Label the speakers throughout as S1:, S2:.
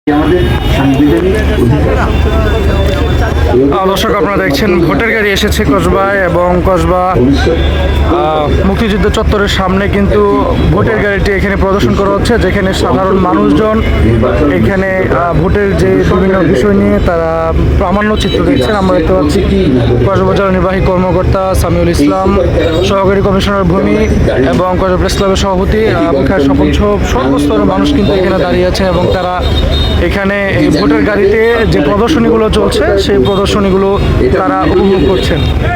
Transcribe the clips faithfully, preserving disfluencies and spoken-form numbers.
S1: দর্শক, আপনারা দেখছেন ভোটের গাড়ি এসেছে কসবায় এবং কসবা মুক্তিযুদ্ধ চত্বরের সামনে কিন্তু ভোটের গাড়িটি এখানে প্রদর্শন করা হচ্ছে, যেখানে সাধারণ মানুষজন এখানে ভোটের যে বিভিন্ন বিষয় নিয়ে তারা প্রামাণ্য চিত্র দেখছেন। আমরা দেখতে পাচ্ছি কসবা জেলা নির্বাহী কর্মকর্তা সামিউল ইসলাম, সহকারী কমিশনার ভূমি এবং কসবা প্রেস ক্লাবের সভাপতি সকল সর্বস্তরের মানুষ কিন্তু এখানে দাঁড়িয়ে আছেন এবং তারা এখানে এই ভোটের গাড়িতে যে প্রদর্শনীগুলো চলছে সেই প্রদর্শনীগুলো তারা উপভোগ করছেন।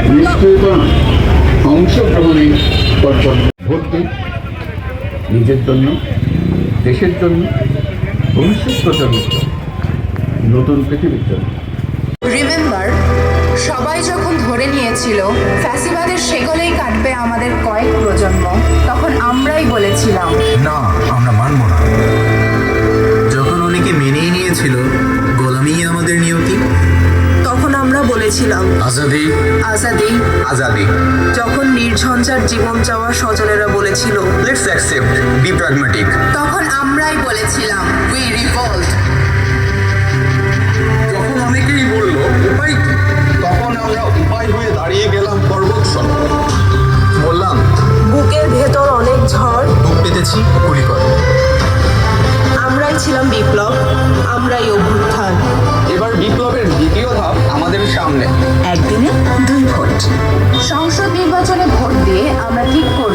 S2: অংশগ্রহণে ভোট দিন নিজের জন্য, দেশের জন্য, ভবিষ্যৎ প্রজন্মের জন্য, নতুন পৃথিবীর জন্য।
S3: রিমেম্বার, সবাই যখন ধরে নিয়েছিল ফ্যাসিবাদের সেগলেই কাটবে আমাদের কয়েক প্রজন্ম, তখন আমরাই বলেছিলাম
S4: না, আমরা মানব না। যখন অনেকে মেনেই নিয়েছিল গোলামি আমাদের নিয়তি,
S3: তখন আমরা বলেছিলাম
S4: আজাদি
S3: আজাদি
S4: আজাদি।
S3: যখন নির্ঝঞ্ঝাট জীবন চাওয়া স্বজনেরা বলেছিল
S4: লেটস অ্যাকসেপ্ট, বি প্র্যাগম্যাটিক,
S3: তখন আমরাই বলেছিলাম উই রিভোল্ট।
S4: যখন অনেকেই বলল উপায় কি, তখন আমরা উপায় হয়ে দাঁড়িয়ে গেলাম পর্বতসম। বললাম
S3: বুকের ভেতর অনেক ঝড়,
S4: বুক পেতেছি গুলি করো।
S3: আমরাই ছিলাম বিপ্লব, আমরাই অভ্যুত্থান।
S4: এবার বিপ্লবের দ্বিতীয় ধাপ আমাদের সামনে।
S3: একদিনে দুই ভোট। সংসদ নির্বাচনে ভোট দিয়ে আমরা ঠিক করব